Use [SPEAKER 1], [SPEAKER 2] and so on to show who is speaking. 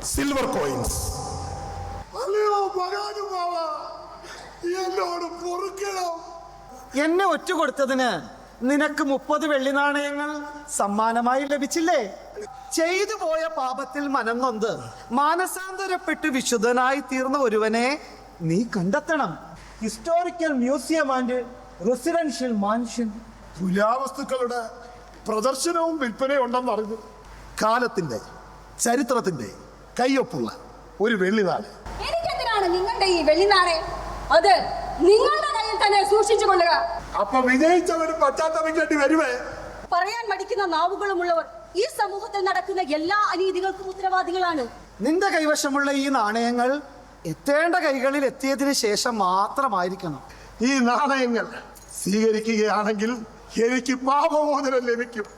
[SPEAKER 1] Silver coins.
[SPEAKER 2] എന്നോട് പൊറുക്കണം.
[SPEAKER 3] എന്നെ ഒറ്റ കൊടുത്തതിന് നിനക്ക് 30 വെള്ളി നാണയങ്ങൾ സമ്മാനമായി ലഭിച്ചില്ലേ? ചെയ്തു പോയ പാപത്തിൽ മനം നൊന്ത് മാനസാന്തരപ്പെട്ട് വിശുദ്ധനായി തീർന്ന ഒരുവനെ നീ കണ്ടെത്തണം. Historical museum and residential mansion.
[SPEAKER 1] പുരാവസ്തുക്കളുടെ പ്രദർശനവും വിൽപ്പനയും ഉണ്ടെന്ന് അറിഞ്ഞു. കാലത്തിന്റെ ചരിത്രത്തിന്റെ കയ്യൊപ്പുള്ള ഒരു വെള്ളിനാണ്.
[SPEAKER 4] എനിക്കെന്തിനാണ് നിങ്ങളുടെ ഈ വെള്ളിനാണയം? അത് നിങ്ങളുടെ കയ്യിൽ തന്നെ സൂക്ഷിച്ചു കൊള്ളുക.
[SPEAKER 1] അപ്പൊ വിജയിച്ചവരും പശ്ചാത്തപിക്കേണ്ടി വരുവേ.
[SPEAKER 4] പറയാൻ മടിക്കുന്ന നാവുകളുമുള്ളവർ ഈ സമൂഹത്തിൽ നടക്കുന്ന എല്ലാ അനീതികൾക്കും ഉത്തരവാദികളാണ്.
[SPEAKER 3] നിന്റെ കൈവശമുള്ള ഈ നാണയങ്ങൾ എത്തേണ്ട കൈകളിൽ എത്തിയതിനു ശേഷം മാത്രമായിരിക്കണം.
[SPEAKER 1] ഈ നാണയങ്ങൾ സ്വീകരിക്കുകയാണെങ്കിൽ എനിക്ക് പാപമോചനം ലഭിക്കും.